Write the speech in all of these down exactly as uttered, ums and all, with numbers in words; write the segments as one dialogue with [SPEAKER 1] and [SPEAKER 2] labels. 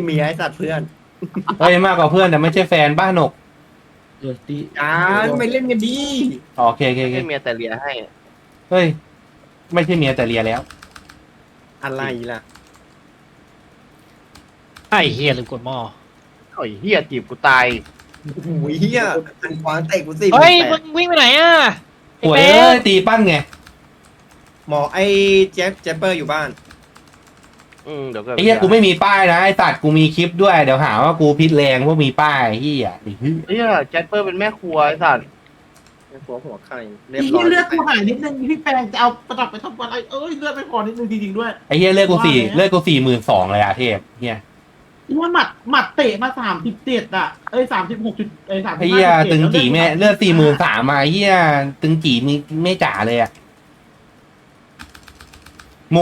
[SPEAKER 1] เมียไอ้สัตว์เพื่อน
[SPEAKER 2] เฮ้ยมากกว่าเพื่อนแต่ไม่ใช่แฟนบ้านหนก
[SPEAKER 3] เออตี
[SPEAKER 1] จ้าไม่เล่นกันดี
[SPEAKER 2] อ๋อโอเคโอเคโอเค
[SPEAKER 4] ให้เมียแต่เลียให้
[SPEAKER 2] เฮ้ยไม่ใช่เมียแต่เลียแล้ว
[SPEAKER 1] อะไรล่ะ
[SPEAKER 5] ไอ้เฮียลืมกดหม้อ
[SPEAKER 4] โอ้ยเฮียจีบกูตาย
[SPEAKER 1] โอ้ยเฮียอันควางเตะกูสิ
[SPEAKER 5] เฮ้ย
[SPEAKER 1] แป
[SPEAKER 5] มึ
[SPEAKER 1] ด
[SPEAKER 5] งวิ่งไปไหนอ่ะไอ้
[SPEAKER 2] ป่วย
[SPEAKER 5] เป๊
[SPEAKER 2] เอ้ย
[SPEAKER 5] ะ
[SPEAKER 2] ตีปั้นไง
[SPEAKER 1] หมอไอ้เจฟเจฟเปอร์อยู่บ้าน
[SPEAKER 4] อืมเดี๋ยวก็
[SPEAKER 2] ไอ้เหี้ยกูไม่มีป้ายนะไอ้ตัดกูมีคลิปด้วยเดี๋ยวหาว่ากูพิษแรงว่ามีป้ายเหี้ยไอ้เหี้ย
[SPEAKER 4] เฮียแจ็คเปอร์เป็นแม่ครัวไอ้สัตว์
[SPEAKER 1] ไอ้หัวหัวไข่เรียบ
[SPEAKER 3] อี
[SPEAKER 1] ร้อย
[SPEAKER 3] เลือดกูหายนิดนึงพี่แปงจะเอาประดับไปทำอะไรเอ้ยเลือดไม่พอนิดนึงจริงๆด้วย
[SPEAKER 2] ไอ้เหี้ยเลือดกูสี่เลือดกูสี่หมื่นสองเลยอะเทพเหี้ย
[SPEAKER 3] ว่าหมัดหมัดเตะมาสามสิบเจ็ดอ่ะเอ้ยสามสิบหกจุดเอ้ยสามสิบ
[SPEAKER 2] ไอ้เหี้ยตึงจีแม่เลือดสี่หมื่นสามมาไอ้เหี้ยตึงจีมีไม่จ่าเลยอะโม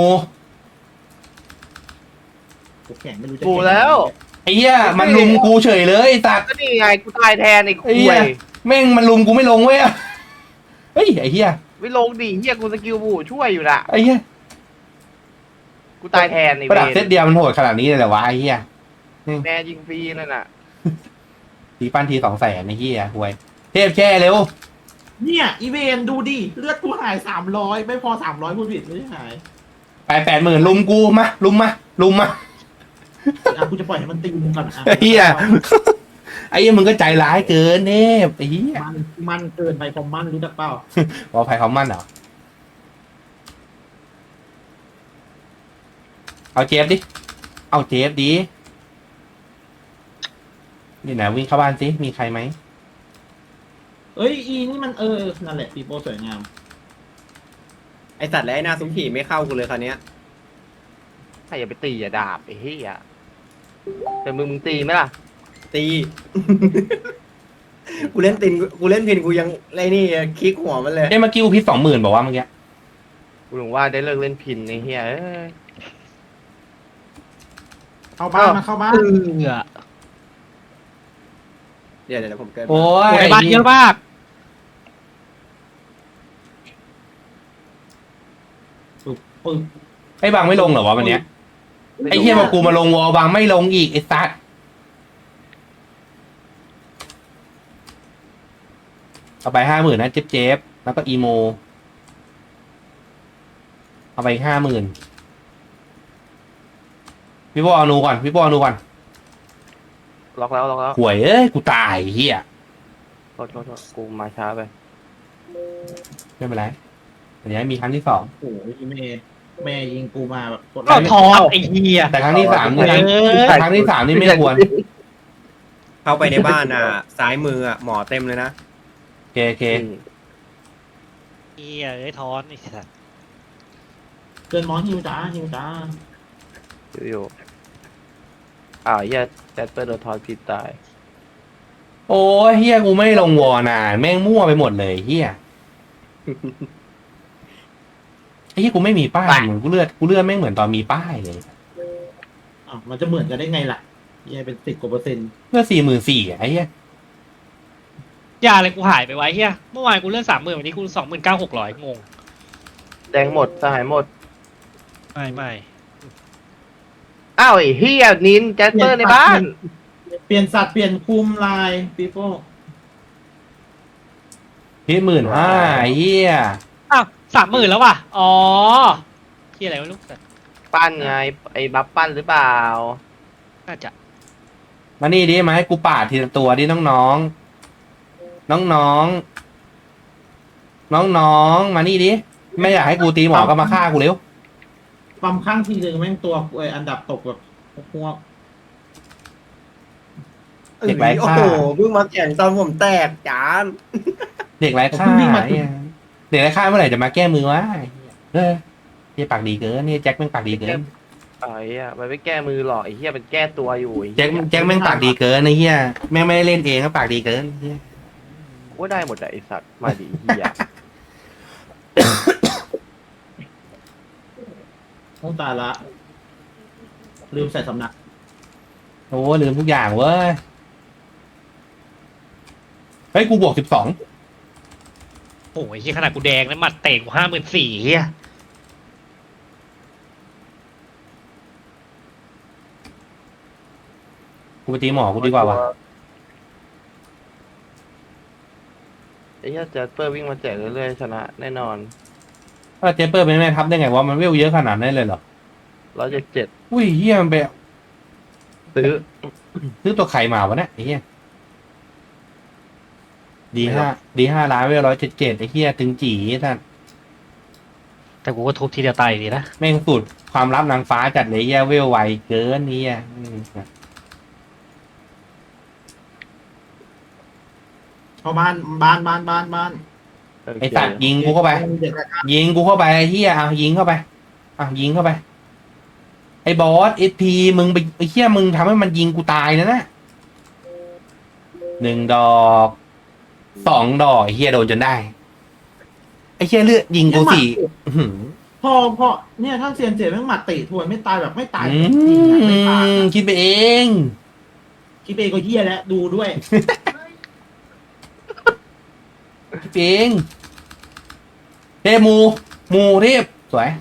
[SPEAKER 3] แข็งไม่รู้จะ
[SPEAKER 4] กูแล้ว
[SPEAKER 2] ไอ้เหี้ยมันลุมกูเฉยเลยไอ้ตัด
[SPEAKER 4] ก็นี่ไงกูตายแทนไอ้คุ
[SPEAKER 2] ไอ้เหี้
[SPEAKER 4] ย
[SPEAKER 2] ย แม่งมันลุมกูไม่ลงเว้ยเฮ้ยไอ้เหี้ย
[SPEAKER 4] ไม่ลงดิเฮียกูสกิลบูช่วยอยู่น่ะ
[SPEAKER 2] ไอ้เหี้ย
[SPEAKER 4] กูตายแทนไอ้
[SPEAKER 2] ประดับ
[SPEAKER 4] เว
[SPEAKER 2] เซตเดียวมันโหดขนาดนี้เลยเหรอวะไอ้เหี้ย
[SPEAKER 4] แม่ยิงฟรีนั่นน่ะ
[SPEAKER 2] ตีปั้นทีสองแสนไอ้เหี้ยห่วยเทพแช่เร็ว
[SPEAKER 3] เนี่ยอีเวนดูดิเลือดกูหายสามร้อยไม่พอสามร้อยพูดผิดไม่ได้หาย
[SPEAKER 2] ไปแปดหมื่นลุมกูมาลุมมาลุมมา
[SPEAKER 3] อ่ะกูจะปล่อยให้มันตีมึงก่อนอ่ะ
[SPEAKER 2] ไอ้เหี้ย ไอ้เหี้ยมึงก็ใจร้ายเกินเนฟไอ้เหี้ย
[SPEAKER 3] มันมันเกินไปความมันรู้จักเปล่า
[SPEAKER 2] ว่าภัยเขามั่นเหรอเอาเจฟดิเอาเจฟดินี่นะวิ่งเข้าบ้านสิมีใครไหม
[SPEAKER 3] เอ้ยอีนี่มันเออนั่นแหละปีโป้สวยงาม
[SPEAKER 1] ไอ้สัตว์และไอ้หน้าซุ้มผีไม่เข้ากูเลยคราวเนี้ย
[SPEAKER 4] ถ้าอย่าไปตีอย่าดาบไอ้เฮียแต่มึงมึงตีไหมล่ะ
[SPEAKER 1] ตี กูเล่นตินกูเล่นพินกูยังไรนี่คลิกหัวมันเลย
[SPEAKER 2] เอ้ยเมื่อกี้กูพิษสองหมื่นบอกว่าเมื่อกี้
[SPEAKER 4] กูถึงว่าได้เลิกเล่นพินไอ้เฮียเอ้ย
[SPEAKER 3] เข้าบ้านมาเข้าบ้าน
[SPEAKER 5] เอือ
[SPEAKER 1] เดี๋ยวเดี๋ยวผมเกิน
[SPEAKER 2] โอ้ย
[SPEAKER 5] ในบ้านเยอะมาก
[SPEAKER 3] ปึ๊บปึ๊บ
[SPEAKER 2] ไอ้บางไม่ลงเหรอวะวันเนี้ยไอ้เหี้ยมากูมาลงวอลบางไม่ลงอีกไอ้สัสเอาไปห้าหมื่นนะเจ็บเจ็บแล้วก็อีโมเอาไปห้าหมื่นพี่บอลนูก่อนพี่บอลนูก่อน
[SPEAKER 4] ล็อกแล้วล็อกแล้ว
[SPEAKER 2] หวยเอ้ยกูตายเฮีย
[SPEAKER 4] โทษโทษโทษกูมาช้าไป
[SPEAKER 2] ไม่เป็นไรอันนี้มีครั้งที่สอง
[SPEAKER 3] โอ้โหแม่แม่ยิงกูมาแบบกด
[SPEAKER 5] ก็ทอนไอ้เฮีย
[SPEAKER 2] แต่ครั้งที่สามนี่
[SPEAKER 5] เออ
[SPEAKER 2] ครั้งที่สามนี่ไม่ควร
[SPEAKER 1] เข้าไปในบ้านอ่ะ ซ้ายมืออ่ะหมอเต็มเลยนะ
[SPEAKER 2] โอเคโอเค
[SPEAKER 5] เฮียเอ้ยทอนไอ้สัส
[SPEAKER 3] เกินมอนฮิวจ้าฮิวจ้า
[SPEAKER 4] อยู่อ่าวเฮียแจ็คเปอร์โดนทอนผิดตาย
[SPEAKER 2] โอ้ยเฮียกูไม่ลงวอนอ่ะแม่งมั่วไปหมดเลยเฮียไอ้เฮียกูไม่มีป้ายเหมือนกูเลือดกูเลือดแม่งเหมือนตอนมีป้ายเลย
[SPEAKER 3] อ่ะมันจะเหมือนกันได้ไงล่ะยังเป็นสิบกว่าเปอร์เซ็นต์
[SPEAKER 2] เลือดสี่หมื่นสี่ไอ้เฮีย
[SPEAKER 5] ยาอะไรกูหายไปไว้เฮียเมื่อวานกูเลื่อนสามหมื่นวันนี้กูสองหมื่นเก้าหกร้อยงง
[SPEAKER 4] แดงหมดสหายหมด
[SPEAKER 5] ไม่ไม่
[SPEAKER 4] อ้าวไอ้เฮียนินแจ็คเปอร์ในบ้าน
[SPEAKER 3] เปลี่ยนสัตว์เปลี่ยนคุมลายปีโป้
[SPEAKER 2] พี่หมื่นห้าไอ้เฮีย
[SPEAKER 5] อ้าวสามหมื่นแล้วว่ะอ๋อเฮียอะไรวะลูกสัส
[SPEAKER 4] ปั้นไงไอ้บัฟปั้นหรือเปล่า
[SPEAKER 5] น่าจะ
[SPEAKER 2] มานี่ดิมาให้กูปาดทีละตัวดิน้องน้องน้องน้องน้องน้องๆมานี่ดิไม่อยากให้กูตีหมอก็มาฆ่ากูเร็ว
[SPEAKER 3] ปั๊มข้างทีหนึ่งแม่งตัวเอออันดับตกแบบพวก
[SPEAKER 2] เด็กไร้
[SPEAKER 1] โอ้
[SPEAKER 2] ค่า
[SPEAKER 1] โหเพิ่งมาแข่งตอนผมแตกจาน
[SPEAKER 2] เด็กไร้ค่าเนี่ยเด็กไร้ค่าเมื่อไหร่จะมาแก้มือวะเออนี่ปากดีเกินนี่แจ็คแม่งปากดีเกิน
[SPEAKER 4] ไอ้เฮียมันไม่แก้มือหรอกไอ้เฮียมันแก้ตัวอยู่ไอ้เหี้ย
[SPEAKER 2] แจ็คแจ็คแม่งปากดีเกินไอ้เหี้ยแม่งไม่ได้เล่นเองก็ปากดีเกินเหี้ย
[SPEAKER 4] กูว่าได้หมดอะไอ้สัตว์มาดิเฮีย
[SPEAKER 3] โอ้ตายละลืมใส่สำนัก
[SPEAKER 2] โอ้ลืมทุกอย่างเว้ยเฮ้ยกูบวกสิบสอง
[SPEAKER 5] โอ้ยเฮียขนาดกูแดงแล้วหมัดเตะกูห้าหมื่นสี่เฮีย
[SPEAKER 2] กูไปตีหมอกูดีกว่าวะ
[SPEAKER 4] ไอ้เหี้ยแจ็คเปอร์วิ่งมาแจกเรื่อยๆชนะแน่นอน
[SPEAKER 2] ถ้าเจเปอร์เป็นแม่ทัพได้ไงวะมันเวลเยอะขนาดนั้นเลยเหรอ
[SPEAKER 4] ร้อยเจ็ดเจ็ด
[SPEAKER 2] อุ้ยเฮียมันไป
[SPEAKER 4] ซื้อ
[SPEAKER 2] ซื้อตัวไข่มาวะเนี่ยไอ้เฮียดีห้าดีห้าล้านเวลร้อยเจ็ดเจ็ดไอ้เฮียตึงจีท่าน
[SPEAKER 5] แต่กูก็ทุบทีเดียวตายอยู่ดีนะ
[SPEAKER 2] แม่งสุดความลับนางฟ้าจัดเลยเฮียเวลไวเกินเฮียอืม
[SPEAKER 3] พอบ้านบ้านบ้านบ้านบ้าน
[SPEAKER 2] ไอ้สัตว์ยิงกูเข้าไป
[SPEAKER 3] เด็กอะครับ
[SPEAKER 2] ยิงกูเข้าไปไอ้เฮียอ่ะยิงเข้าไปอ่ะยิงเข้าไป ไอ้บอสเอสพีมึงไปไอ้เฮียมึงทำให้มันยิงกูตายนะนะหนึ่งดอกสองดอกไอ้เฮียโดนจนได้ไอ้เฮียเลือดยิงกูสี่อื้อหือ
[SPEAKER 3] พอพอเนี่ยถ้าเซียนเจ็บแม่งหมัดตีทวนไม่ตายแบบไม่ตาย
[SPEAKER 2] อื
[SPEAKER 3] จริงอะไม่ตาย
[SPEAKER 2] ม
[SPEAKER 3] อะ
[SPEAKER 2] คิดไปเอง
[SPEAKER 3] คิดเองก็เฮียแล้วดูด้วย
[SPEAKER 2] คิดไปเองเทพมูมูเทพสวย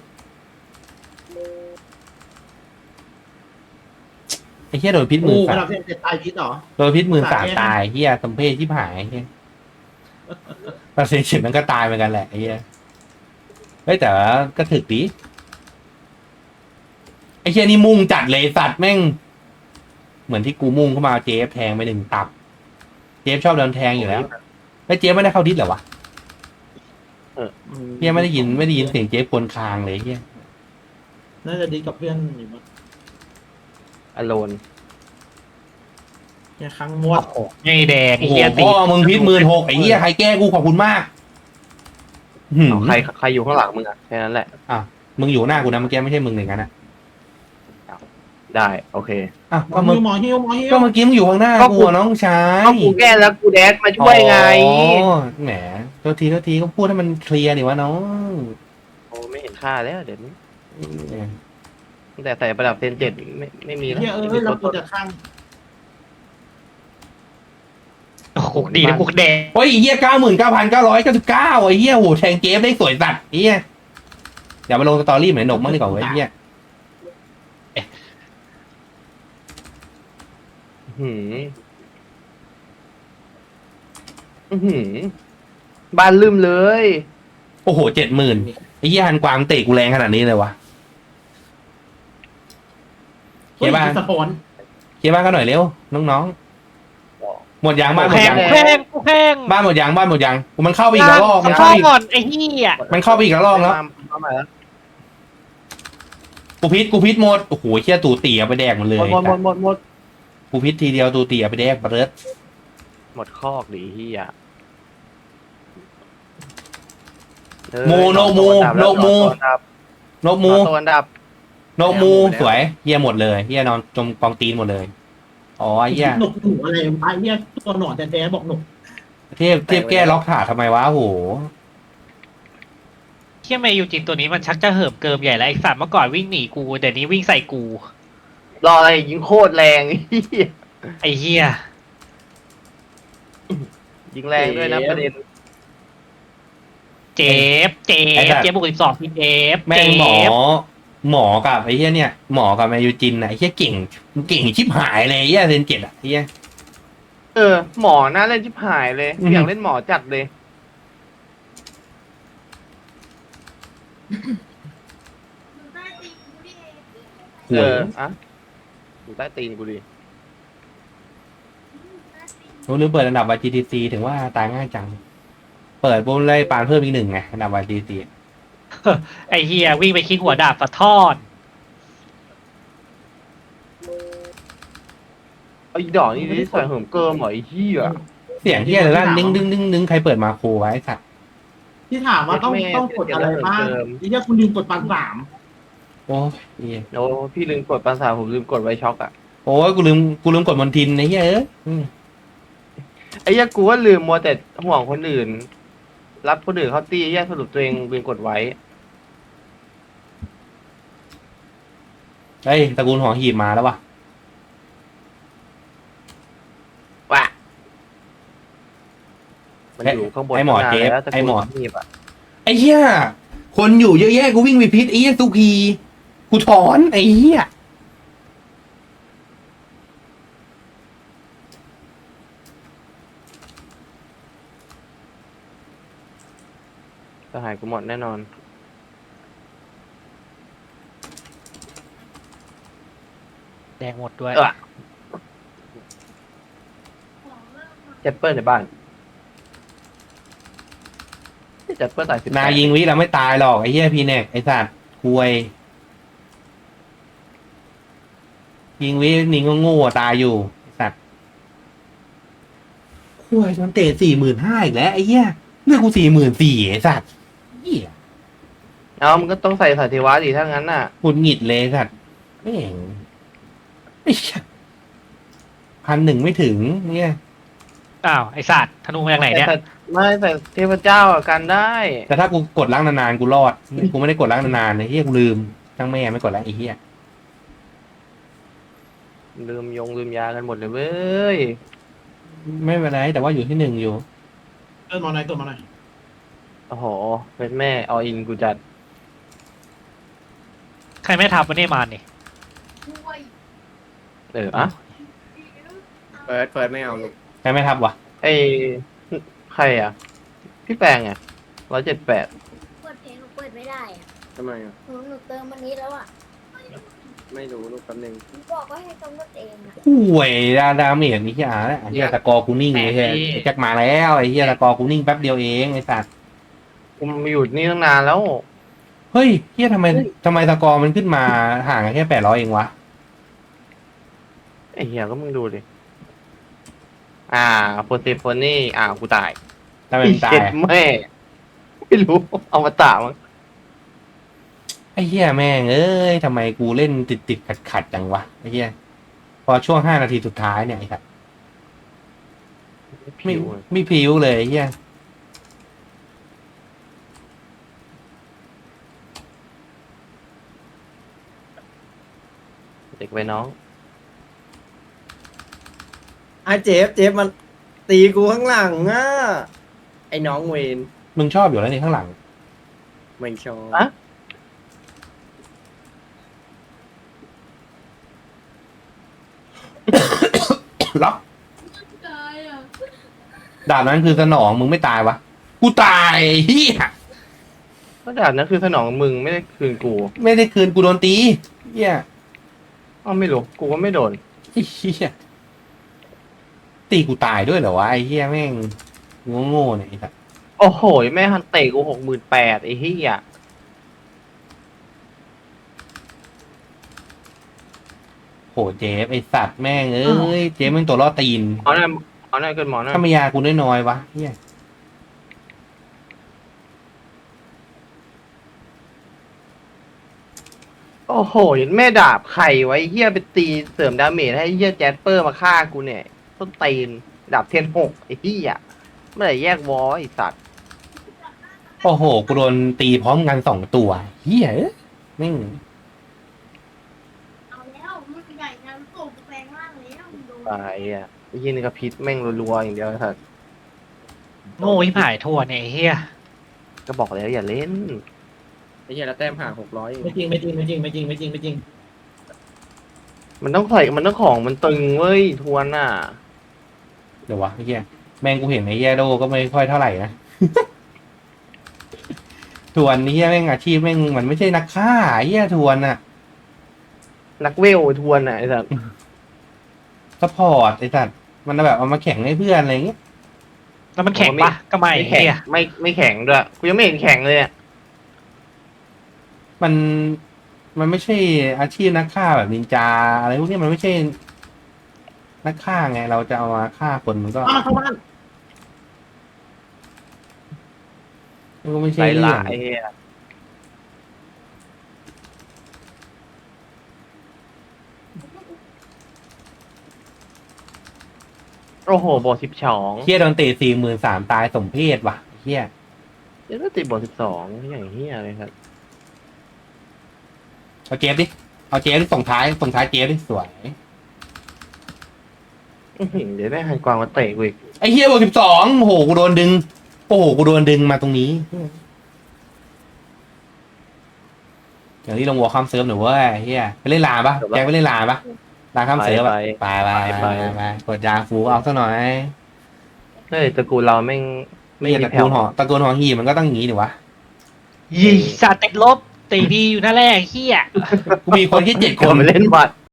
[SPEAKER 2] ไอ้เฮียโดนพิษห
[SPEAKER 3] กู
[SPEAKER 2] มื่น
[SPEAKER 3] ก
[SPEAKER 2] สา
[SPEAKER 3] ระดั
[SPEAKER 2] ม
[SPEAKER 3] บเซียนเจ็บตายพิษเหรอ
[SPEAKER 2] โดนพิษหมื่นสาม
[SPEAKER 3] สามแยก
[SPEAKER 2] ตายเฮียสมเพศที่หายเฮียปาเซนเฉียมันก็ตายเหมือนกันแหละไอ้เฮียเฮ้ยแต่ว่าก็ถึกดีไอ้เฮียนี่มุ่งจัดเลยสัตว์แม่ง เหมือนที่กูมุ่งเข้ามาเจฟแทงไปหนึ่งตับ เจฟชอบโดนแทงอยู่แล้วไอ้เจฟไม่ได้เข้าดิสเหรอวะเฮียไม่ได้ยินไม่ได้ยินเสียงเจฟกวนคางเลยเฮีย
[SPEAKER 3] น่าจะดีกับเพื่อนอยู่มั้ง
[SPEAKER 4] อโลน
[SPEAKER 3] เนี่ยครั้งหมด
[SPEAKER 5] โอ้โหไงแดง
[SPEAKER 2] โอ้
[SPEAKER 5] ไอ้
[SPEAKER 2] โห
[SPEAKER 5] เหี้ยตี
[SPEAKER 2] พ่อมึงพิษหมื่นหกไอ้เหี้ยใครแก้กูขอบคุณมากหืม
[SPEAKER 4] เอาใครใครอยู่ข้างหลังมึงอะแค่นั้นแหละ
[SPEAKER 2] มึงอยู่หน้ากูนะเมื่อกี้ไม่ใช่มึงอย่างนั้นนะ
[SPEAKER 4] ได้โอเค
[SPEAKER 2] อ้าว
[SPEAKER 3] หม
[SPEAKER 2] ก็
[SPEAKER 3] อ
[SPEAKER 2] มึ
[SPEAKER 3] ฮิ
[SPEAKER 2] ง
[SPEAKER 3] วหมอฮิวหมอฮิว
[SPEAKER 2] ก็เมื่อกี้มึงอยู่ข้างหน้า
[SPEAKER 4] ก็
[SPEAKER 2] กู
[SPEAKER 4] กู
[SPEAKER 2] อะน้องชาย
[SPEAKER 4] ก็กูแก้แล้วกูแดดมาช่วยไง
[SPEAKER 2] อ๋อแหมโทษทีโทษทีก็พูดให้มันเคลียร์นี่วะน้อง
[SPEAKER 4] โอ้ไม่เห็นค่าแล้วเดี๋ยวนี้ตั้งแต่ใส่ประดับเซนเจ็ดไม่ไม่มีแล้ว
[SPEAKER 3] เฮียเออเราควรจะข้าง
[SPEAKER 5] โอ้โหดีนะกูแดง
[SPEAKER 2] โอ้ยไอ้เหี้ยเก้าหมื่นเก้าพันเก้าร้อยเก้าสิบเก้าไอ้เหี้ยโหแทงเกมได้สวยสัตว์ไอ้เหี้ยเดี๋ยวมาลงสตอรี่เหมือนหนกมั่งดีกว่าเว้ยไอ้เหี้ย
[SPEAKER 4] หืมอื้อหือบ้านลืมเลย
[SPEAKER 2] โอ้โหเจ็ดหมื่นไอ้เหี้ยฮันกวางเตะกูแรงขนาดนี้เลยวะ
[SPEAKER 3] เฮ้ย
[SPEAKER 2] เฮียบ้าน
[SPEAKER 3] สปอน
[SPEAKER 2] เคลียร์บ้านกันหน่อยเร็วน้องๆหมดยางบ้านหม
[SPEAKER 5] แพ
[SPEAKER 2] ด
[SPEAKER 5] ง
[SPEAKER 2] ยาง
[SPEAKER 5] แพงกูแพง
[SPEAKER 2] บ้านหมดยางบ้านหมดยางมันเข้าไปอีกแล้วรอบมัน
[SPEAKER 5] เข้า
[SPEAKER 2] เข้าไปอีก
[SPEAKER 5] ก่อนไอ้เหี้ย
[SPEAKER 2] มันเข้าไปอีกแล้วรอบแล้ว
[SPEAKER 4] เข้ามาแล้ว
[SPEAKER 2] กูพิษกูพิษหมดโอ้โหเชี่ยตูเตี๋ยไปแดกหมดเลย
[SPEAKER 4] หมดหมดหมดหมด
[SPEAKER 2] กูพิษทีเดียวตูเตี๋ยไปแดกเบิร์ด
[SPEAKER 4] หมดคอกดิเฮีย
[SPEAKER 2] โมโนโมโนโมนกมู
[SPEAKER 4] ตัวอันดับ
[SPEAKER 2] นกมู
[SPEAKER 4] แล้วหมดแล้ว
[SPEAKER 2] สวยเฮียหมดเลยเฮียนอนจมกองตีนหมดเลยอ๋อเฮีย
[SPEAKER 3] หนุกหนูอะไรไอ้เฮียตัวหนอนแท้ๆบอกหนุก
[SPEAKER 2] เทพเทพแก้ล็อกขาทำไมวะโอ้โห
[SPEAKER 5] เหี้ยแมยูจินตัวนี้มันชักจะเหิมเกิมใหญ่แล้วไอ้สัตว์เมื่อก่อนวิ่งหนีกูเดี๋ยวนี้วิ่งใส่กู
[SPEAKER 4] รออะไรยิงโคตรแรงเฮีย
[SPEAKER 5] ไอ้เหี้ย
[SPEAKER 4] ยิงแรงด้วยนะประเด็น
[SPEAKER 5] เจ็บเจ็บเจ็บบวกสิบสองพี่เจ็บ
[SPEAKER 2] แม่
[SPEAKER 5] เจ็
[SPEAKER 2] งหมอ
[SPEAKER 5] บ
[SPEAKER 2] หมอกับไอ้เฮียเนี่ยหมอกับแมยูจินน่ะไอ้เฮียเก่งเก่งชิบหายเลยไอ้เฮียเซนเจ็ดอ่ะไอ้เฮีย
[SPEAKER 4] เออ หมอน่าเล่นชิบหายเลย
[SPEAKER 2] อืม
[SPEAKER 4] อยากเล่นหมอจัดเลย
[SPEAKER 2] ห
[SPEAKER 4] เอ
[SPEAKER 2] วย
[SPEAKER 4] ออะอยู่ใต้ตีนกูดิ
[SPEAKER 2] รู้ลืมเปิดอันดับ วาย จี ที ซี ถึงว่าตายง่ายจัง เปิดปุ๊บเลยปานเพิ่มอีกหนึ่งไงอันดับ วาย จี ที ซี
[SPEAKER 5] ไอ้เหี้ยวิ่งไปคิกหัวดาบสะทอด
[SPEAKER 4] ไอ้ดอกนี่ที่ใส่เหิมเกิมเหรอไอ้เหี้ย
[SPEAKER 2] เสียงเฮียเลยลั่นดึงดึงดึงดึงใครเปิดมาโครไว้สัตว์
[SPEAKER 3] ที่ถามว่าต้องต้องกดอะไรบ้างไอ้เฮียคุณลืมกดปันสาม
[SPEAKER 2] โอ้ยเหี้ย
[SPEAKER 4] โอ้พี่ลืมกดปัญหาผมลืมกดไว้ช็อกอะ
[SPEAKER 2] โอ้ยกูลืมกูลืมกดมอนทินไอ้เหี้ยเอ้ยอืม
[SPEAKER 4] ไอ้เหี้ยกูว่าลืมมัวแต่ห่วงคนอื่น รับคนอื่นเขาตีไอ้เหี้ยสรุปตัวเองลืมกดไว้
[SPEAKER 2] เฮ้ยตระกูลหอหีบมาแล้ววะ
[SPEAKER 4] ว่ะมันอยู่ข้างบน
[SPEAKER 2] ไอ้หมอ
[SPEAKER 4] ตั้งนาน
[SPEAKER 2] เจฟ
[SPEAKER 4] แล้วแต่
[SPEAKER 2] ไอ้หมอ
[SPEAKER 4] กูงีบอะ
[SPEAKER 2] ไอ้เหี้ยคนอยู่เยอะแยะกูวิ่งไปพิษไอ้เหี้ยสุพีกูถอนไอ้เหี้ย
[SPEAKER 4] สหายกูหมดแน่นอน
[SPEAKER 5] แดงหมดด้วย
[SPEAKER 4] เออเจ็ปเปอร์ในบ้านเจ็ปเปอร์ตายสิบ
[SPEAKER 2] นายิงวิเราไม่ตายหรอกไอ้เหี้ยพีเน็กไอ้สัตว์ควยยิงวินิงก็โง่ตายอยู่ไอ้สัตว์ควยมันเตะสี่หมื่นห้าอีกแล้วไอ้เหี้ยเลือกกูสี่หมื่นสี่ไอ้สัตว์เหี้ย
[SPEAKER 4] เอามันก็ต้องใส่สาธิวะดิถ้างั้นน่ะ
[SPEAKER 2] หงุดหงิดเลยไอ้สัตว์ไม่เห็นไอ้เหี้ยพันหนึ่งไม่ถึงเนี่ย
[SPEAKER 5] อ้าวไอ้สัตว์ธนูมาจากไหนเนี่ย
[SPEAKER 4] แต่ไม่แต่เทพเจ้าอะกันได้
[SPEAKER 2] แต่ถ้ากูกดล้างนานๆกูรอดกูไม่ได้กดล้างนานๆไอ้เหี้ยกูลืมทั้งแม่ไม่กดล้างไอ้เหี้ย
[SPEAKER 4] ลืมยงลืมยากันหมดเลยเว้ย
[SPEAKER 2] ไม่เป็นไรแต่ว่าอยู่ที่หนึ่งอยู่
[SPEAKER 3] เอิ้นมาหน่อยตัวมาหน่อย
[SPEAKER 4] โอ้โหเป็นแม่ออินกูจัด
[SPEAKER 5] ใครไม่ทำวันนี้มานี่
[SPEAKER 4] เอออะ
[SPEAKER 1] เฟิร์สเฟิร์สไม่เอาลูก
[SPEAKER 2] ใครไม่ทับวะ
[SPEAKER 4] ไอใครอ่ะ พี่แปลงอ่ะร้อยเจ็ดแปด
[SPEAKER 6] เปิดเพลงหนูเปิดไม่ได้อะ
[SPEAKER 1] ทำไมอ่ะ
[SPEAKER 6] หนูหนูเติมวันนี้แล้วอะ
[SPEAKER 1] ไม่รู้ลูกแป๊บนึง
[SPEAKER 6] หนูบอกว่าให้กำหนดเองอะ
[SPEAKER 2] ห่วยดาดาเมจนี่เหี้ยไอ้เหี้ยตะกอร์กูนิ่งเลยเหี้ยไอ้แจ็คมาแล้วไอ้เหี้ยตะกอร์กูนิ่งแป๊บเดียวเองไอ้สัตว์
[SPEAKER 4] กูมาอยู่นี่ตั้งนานแล้ว
[SPEAKER 2] เฮ้ยเหี้ยทำไมทำไมตะกอร์มันขึ้นมาห่างกันแค่แปดร้อยเองวะ
[SPEAKER 4] ไอ้เหี้ยก็มึงดูดิ อ่าโพเซโฟนี่ อ่ากูตาย
[SPEAKER 2] ทำไมมันตาย
[SPEAKER 4] เจ็ด
[SPEAKER 2] อะ
[SPEAKER 4] แม่ ไม่รู้ เอามาตามั้ง
[SPEAKER 2] ไอ้เหี้ยแม่งเอ้ยทำไมกูเล่นติดติดขัดขัดๆจังวะไอ้เหี้ยพอช่วงห้านาทีสุดท้ายเนี่ยไอ้สัตว์ไม่
[SPEAKER 4] ผิว
[SPEAKER 2] ไม่พริ้วเลยไอ้เหี้ย
[SPEAKER 4] เด็กไว้น้อง
[SPEAKER 1] อ่ะเจฟเจฟมันตีกูข้างหลังอ่ะไอ้น้องเวน
[SPEAKER 2] มึงชอบอยู่แล้วนี่ข้างหลัง
[SPEAKER 1] ไม่ชอบ
[SPEAKER 4] อะ
[SPEAKER 2] ล็อกดาบนั้นคือสนองมึงไม่ตายวะกูตายไอ้เหี้ย
[SPEAKER 4] ก็ดาบนั้นคือสนองมึงไม่ได้คืนกู
[SPEAKER 2] ไม่ได้คืนกูโดนตีเหี้ย
[SPEAKER 4] อ้าวไม่รู้ กูก็ไม่โดน
[SPEAKER 2] ไอ้เหี้ยตีกูตายด้วยเหรอวะไอ้เหี้ยแม่งโง่ๆเนี่ยไอ้สัส
[SPEAKER 4] โอ้โห แม่ฮันเตะกูหกหมื่นแปดไอ้เหี้ย
[SPEAKER 2] โหเจฟไอ้สัตว์แม่งเอ้ยเจฟแม่งตัวล่อตีน
[SPEAKER 4] เอาหน่อยเอาหน่อยเกินหมอหน่อย
[SPEAKER 2] ถ้าไม่ยากูน้อยๆวะเหี้ย
[SPEAKER 4] โอ้โหแม่ดาบใครไว้เฮียไปตีเสริมดาเมจให้เฮียแจสเปอร์มาฆ่ากูเนี่ยต้นตีนดาบเทียนหกไอ้เฮียเมื่อไหร่แยกวอไอ้สัตว์
[SPEAKER 2] โอ้โหกูโดนตีพร้อมกันสองตัวเหี้ยเอ้ยแม่ง
[SPEAKER 6] เอาแล้วมันใหญ่นะมันโตแปลงร่างแล้วมึงดู
[SPEAKER 4] ตายอ่ะไอ้เฮียนี่ก็พิษแม่งรัวๆอย่างเดียวไอ้สัตว์
[SPEAKER 5] โง่ที่หายทั่วเนี่ยไอ้เฮีย
[SPEAKER 4] ก็บอกแล้วอย่าเล่น
[SPEAKER 1] ไอ้เหี้ยแล้วแต้มห่างหกร้อย
[SPEAKER 3] ไม่จริงไม่จริงไม่จริงไม่จริงไม่จริงไม่จริง
[SPEAKER 4] มันต้องใส่มันต้องของมันตึงเว้ยทวนอ่ะ
[SPEAKER 2] เดี๋ยววะไอ้เหี้ยแม่งกูเห็นไอ้เหี้ยโดก็ไม่ค่อยเท่าไหร่นะ ทวนไอ้เหี้ยแม่งอาชีพแม่งมันไม่ใช่นักฆ่าไอ้เหี้ยทวนอะ
[SPEAKER 4] นักเวลทวนอ่ะไอ้สัตว์
[SPEAKER 2] สปอร์ตไอ้สัตว์มันแบบเอามาแข่งให้เพื่อนอะไรอย่างเงี้ย
[SPEAKER 5] แล้วมันแข็งปะก็ไม่
[SPEAKER 4] ไม่
[SPEAKER 5] ไอ้
[SPEAKER 4] แข็ง
[SPEAKER 5] เฮีย
[SPEAKER 4] ไม่ไม่แข็งด้วยกูยังไม่เห็นแข็งเลยอ่ะ
[SPEAKER 2] มันมันไม่ใช่อาชีพนักฆ่าแบบนินจาอะไรพวกนี้มันไม่ใช่ นักฆ่าไง เราจะเอามาฆ่าคนมันก็
[SPEAKER 3] เอามาเข้าบ้าน
[SPEAKER 2] มันก็ไม่
[SPEAKER 4] ไร
[SPEAKER 2] ใช่เรื่อ
[SPEAKER 4] ละ
[SPEAKER 2] ง
[SPEAKER 4] ไอ้เฮียโอ้โหบทสิบสอง
[SPEAKER 2] เฮียโดนเตะสี่หมื่นสามตายสมเพศว่ะเฮีย
[SPEAKER 4] เดี๋ยวก็ติดบทสิบสองอย่างเฮียเลยครับ
[SPEAKER 2] เอาเจฟดิเอาเจฟดิส่งท้ายส่งท้ายเจฟดิสวย
[SPEAKER 4] อื้อหือเดี๋ยวได้หันกวางมาเตะกูอีก
[SPEAKER 2] ไอ้เฮียบวกสิบสองโอ้โหกูโดนดึงโอ้โหกูโดนดึงมาตรงนี้อย่างที่ลงวัวข้ามเซิร์ฟหนูเว้ยเฮียไปเล่นลาปะแจ็คไปเล่นลาปะลาข้ามเซิร์ฟอะไปไปไปไปกดยาฟูเอาซะหน่อย
[SPEAKER 4] เฮ้ยตระกูลเราแม่ง
[SPEAKER 2] ไม่
[SPEAKER 4] ไม่
[SPEAKER 2] ใช่
[SPEAKER 4] มี
[SPEAKER 2] ตระ
[SPEAKER 4] แผ่
[SPEAKER 2] กู
[SPEAKER 4] ว
[SPEAKER 2] ลหอตระกูลหอหีมันก็ต้องอย่างงี้ดิวะ
[SPEAKER 5] ยี่สัตว์ติดลบตีดีอยู่นั่นแหละไอ้เฮีย
[SPEAKER 2] กูมีคนแค่เจ็ดค
[SPEAKER 4] คน
[SPEAKER 2] น
[SPEAKER 4] มาเล่นบัตร